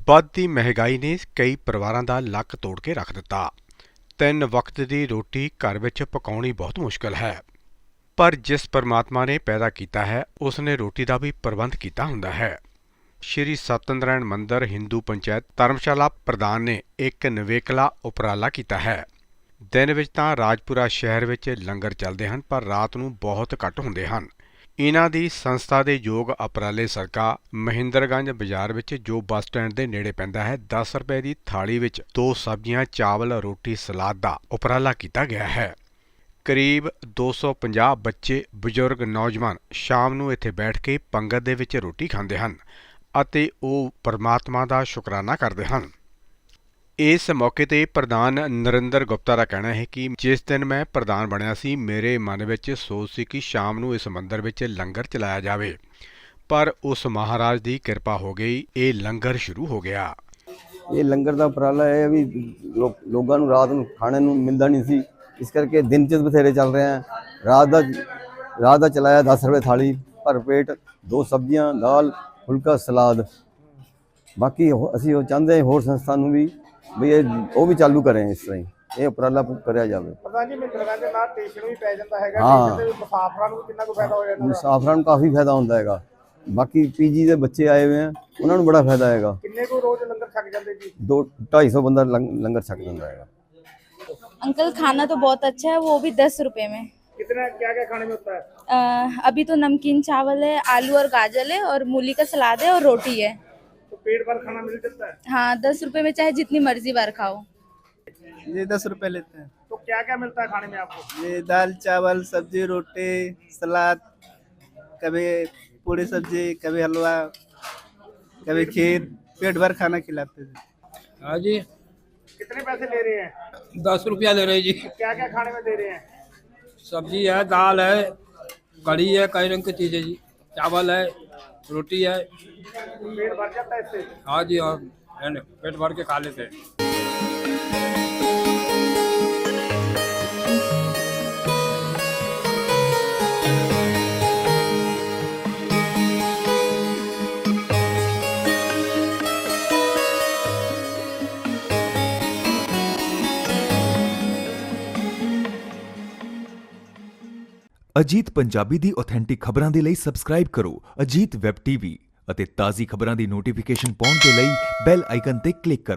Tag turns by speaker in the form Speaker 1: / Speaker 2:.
Speaker 1: ਵੱਧਦੀ ਮਹਿੰਗਾਈ ਨੇ ਕਈ ਪਰਿਵਾਰਾਂ ਦਾ ਲੱਕ ਤੋੜ ਕੇ ਰੱਖ ਦਿੱਤਾ। 3 ਵਕਤ ਦੀ ਰੋਟੀ ਘਰ ਵਿੱਚ ਪਕਾਉਣੀ ਬਹੁਤ ਮੁਸ਼ਕਲ ਹੈ, ਪਰ ਜਿਸ ਪਰਮਾਤਮਾ ਨੇ ਪੈਦਾ ਕੀਤਾ ਹੈ ਉਸ ਨੇ ਰੋਟੀ ਦਾ ਵੀ ਪ੍ਰਬੰਧ ਕੀਤਾ ਹੁੰਦਾ ਹੈ। ਸ਼੍ਰੀ ਸਤਨਾਰਾਇਣ ਮੰਦਰ ਹਿੰਦੂ ਪੰਚਾਇਤ ਧਰਮਸ਼ਾਲਾ ਪ੍ਰਧਾਨ ਨੇ ਇੱਕ ਨਿਵੇਕਲਾ ਉਪਰਾਲਾ ਕੀਤਾ ਹੈ। ਦਿਨ ਵਿੱਚ ਤਾਂ ਰਾਜਪੁਰਾ ਸ਼ਹਿਰ ਵਿੱਚ ਲੰਗਰ ਚੱਲਦੇ ਹਨ, ਪਰ ਰਾਤ ਨੂੰ ਬਹੁਤ ਘੱਟ ਹੁੰਦੇ ਹਨ। ਇਨ੍ਹਾਂ ਦੀ ਸੰਸਥਾ ਦੇ ਯੋਗ ਉਪਰਾਲੇ ਸਦਕਾ ਮਹਿੰਦਰਗੰਜ ਬਾਜ਼ਾਰ ਵਿੱਚ ਜੋ ਬੱਸ ਸਟੈਂਡ ਦੇ ਨੇੜੇ ਪੈਂਦਾ ਹੈ 10 ਰੁਪਏ ਦੀ ਥਾਲੀ ਵਿੱਚ 2 ਸਬਜ਼ੀਆਂ, ਚਾਵਲ, ਰੋਟੀ, ਸਲਾਦ ਦਾ ਉਪਰਾਲਾ ਕੀਤਾ ਗਿਆ ਹੈ। ਕਰੀਬ 250 ਬੱਚੇ, ਬਜ਼ੁਰਗ, ਨੌਜਵਾਨ ਸ਼ਾਮ ਨੂੰ ਇੱਥੇ ਬੈਠ ਕੇ ਪੰਗਤ ਦੇ ਵਿੱਚ ਰੋਟੀ ਖਾਂਦੇ ਹਨ ਅਤੇ ਉਹ ਪਰਮਾਤਮਾ ਦਾ ਸ਼ੁਕਰਾਨਾ ਕਰਦੇ ਹਨ। ਇਸ ਮੌਕੇ ਤੇ ਪ੍ਰਧਾਨ ਨਰਿੰਦਰ ਗੁਪਤਾ ਦਾ ਕਹਿਣਾ ਹੈ ਕਿ ਜਿਸ ਦਿਨ ਮੈਂ ਪ੍ਰਧਾਨ ਬਣਿਆ ਸੀ ਮੇਰੇ ਮਨ ਵਿੱਚ ਸੋਚ ਸੀ ਕਿ ਸ਼ਾਮ ਨੂੰ ਇਸ ਮੰਦਰ ਵਿੱਚ ਲੰਗਰ ਚਲਾਇਆ ਜਾਵੇ, ਪਰ ਉਸ ਮਹਾਰਾਜ ਦੀ ਕਿਰਪਾ ਹੋ ਗਈ, ਇਹ ਲੰਗਰ ਸ਼ੁਰੂ ਹੋ ਗਿਆ।
Speaker 2: ਇਹ ਲੰਗਰ ਦਾ ਉਪਰਾਲਾ ਹੈ ਵੀ ਲੋਕਾਂ ਨੂੰ ਰਾਤ ਨੂੰ ਖਾਣੇ ਨੂੰ ਮਿਲਦਾ ਨਹੀਂ ਸੀ, ਇਸ ਕਰਕੇ ਦਿਨ 'ਚ ਬਥੇਰੇ ਚੱਲ ਰਹੇ ਆ। ਰਾਤ ਦਾ ਚਲਾਇਆ 10 ਰੁਪਏ ਥਾਲੀ, ਭਰ ਪੇਟ 2 ਸਬਜ਼ੀਆਂ, ਦਾਲ, ਫੁਲਕਾ, ਸਲਾਦ। ਬਾਕੀ ਅਸੀਂ ਉਹ ਚਾਹੁੰਦੇ ਹਾਂ ਹੋਰ ਸੰਸਥਾ ਨੂੰ ਵੀ ਉਹ ਵੀ ਚਾਲੂ ਕਰੇ, ਇਸ ਤਰ੍ਹਾਂ ਹੀ ਇਹ ਉਪਰਾਲਾ ਕਰਿਆ ਜਾਵੇ।
Speaker 3: ਪ੍ਰਧਾਨ ਜੀ, ਮਹਿੰਦਰਗੰਜ ਦੇ ਨਾਲ ਸਟੇਸ਼ਨ ਵੀ ਪੈ ਜਾਂਦਾ ਹੈਗਾ,
Speaker 2: ਹਾਂ,
Speaker 3: ਮੁਸਾਫਰਾਂ ਨੂੰ ਕਿੰਨਾ ਕੁ ਫਾਇਦਾ ਹੋ ਜਾਂਦਾ?
Speaker 2: ਮੁਸਾਫਰਾਂ ਨੂੰ ਕਾਫੀ ਫਾਇਦਾ ਹੁੰਦਾ ਹੈਗਾ। ਬਾਕੀ ਪੀਜੀ ਦੇ ਬੱਚੇ ਆਏ ਹੋਏ ਆ, ਉਹਨਾਂ ਨੂੰ ਬੜਾ ਫਾਇਦਾ ਹੈਗਾ।
Speaker 3: ਕਿੰਨੇ ਕੁ ਰੋਜ਼ ਲੰਗਰ ਛਕ ਜਾਂਦੇ ਜੀ?
Speaker 2: 250 ਬੰਦਾ ਲੰਗਰ ਛਕ ਜਾਂਦਾ ਹੈਗਾ।
Speaker 4: अंकल खाना तो बहुत अच्छा है, वो भी 10 रुपए में।
Speaker 3: कितना क्या क्या खाने में होता है?
Speaker 4: अभी तो नमकीन चावल है, आलू और गाजर है और मूली का सलाद है और रोटी है।
Speaker 3: तो पेट भर खाना मिल जाता है?
Speaker 4: हाँ, 10 रुपए में चाहे जितनी मर्जी बार खाओ।
Speaker 5: ये 10 रुपए लेते हैं।
Speaker 3: तो क्या क्या मिलता है खाने में आपको?
Speaker 5: ये दाल, चावल, सब्जी, रोटी, सलाद, कभी पूरी सब्जी, कभी हलवा, कभी खीर। पेट भर खाना खिलाते थे।
Speaker 6: हाँ जी।
Speaker 3: कितने पैसे ले रहे हैं?
Speaker 6: 10 रुपया ले रहे जी।
Speaker 3: क्या क्या खाने में दे रहे हैं?
Speaker 6: सब्जी है, दाल है, कढ़ी है, कई रंग की चीज़ें जी, चावल है, रोटी है।
Speaker 3: पेट भर जाता है इससे?
Speaker 6: हाँ जी, हाँ, है ना, पेट भर के खा लेते हैं।
Speaker 7: ਅਜੀਤ ਪੰਜਾਬੀ ਦੀ ਆਥੈਂਟਿਕ ਖਬਰਾਂ ਦੇ ਲਈ ਸਬਸਕ੍ਰਾਈਬ ਕਰੋ ਅਜੀਤ ਵੈਬ ਟੀਵੀ ਅਤੇ ਤਾਜ਼ੀ ਖਬਰਾਂ ਦੀ ਨੋਟੀਫਿਕੇਸ਼ਨ ਪਾਉਣ ਦੇ ਲਈ ਬੈਲ ਆਈਕਨ ਤੇ ਕਲਿੱਕ ਕਰੋ।